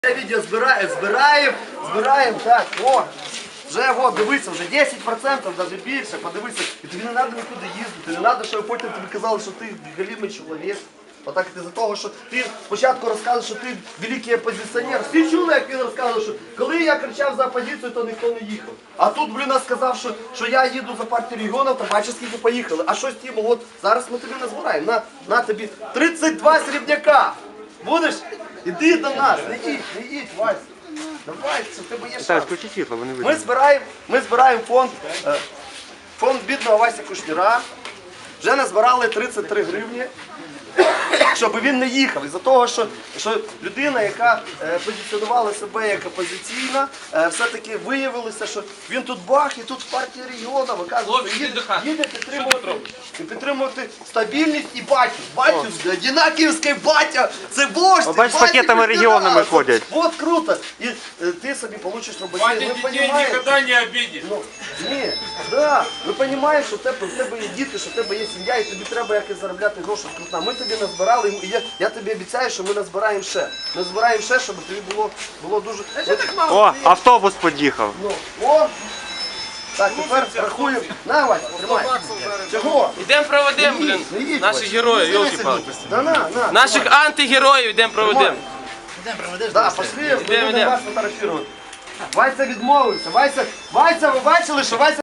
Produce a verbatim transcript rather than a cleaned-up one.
Відео збираємо, збираємо, збираємо, так, о, вже, о, дивися, вже десять відсотків, навіть більше, подивися, і тобі не треба нікуди їздити, не треба, щоб потім тобі казали, що ти галімий чоловік. Отак ти за того, що ти спочатку розказуєш, що ти великий опозиціонер. Всі чули, як він розказував, що коли я кричав за опозицію, то ніхто не їхав. А тут, блін, сказав, що, що я їду за партію регіонів, то бачиш, скільки поїхали. А що з тим, от зараз ми тобі назбираємо, на, на тобі тридцять два срібняка. Будеш? Іди до нас, не їдь, не їдь, Вася. Давай, це в тебе є шанс. Включи світло, вони Ми збираємо, ми збираємо фонд, е, фонд бідного Васі Кушніра. Вже назбирали тридцять три гривні, щоб він не їхав. Із-за того, що, що людина, яка е, позиціонувала себе як опозиційна, е, все-таки виявилося, що він тут бах і тут в партії регіонів, оказується, їде, їде підтримувати, підтримувати стабільність і батю. Батю, Дінаківський батя, це вождь. О, бач, з пакетами регіонами ходять. От круто. І е, ти собі получиш роботу. Батя детей никогда не обидит. Ну, ні, да, ви розумієте, що в тебе, в тебе є діти, що в тебе є сім'я, і тобі треба якось заробляти гроші з крутна. Ми тобі назбирали, і я, я тобі обіцяю, що ми назбираємо ще. Назбираємо ще, щоб тобі було, було дуже... О, автобус під'їхав. Ну, о! Так, тепер рахуємо. На, Вася, тримай. Чого? Йдемо проведемо, блін, Не їдь, наших Вася. героїв, Не йолки-палки. сидіть. Да, на, на. Наших антигероїв йдемо проведемо. Да, пошли, Йдемо, будемо йдемо. вас фотографувати. Вася відмовився. Вася, Вася, ви бачили, що Вася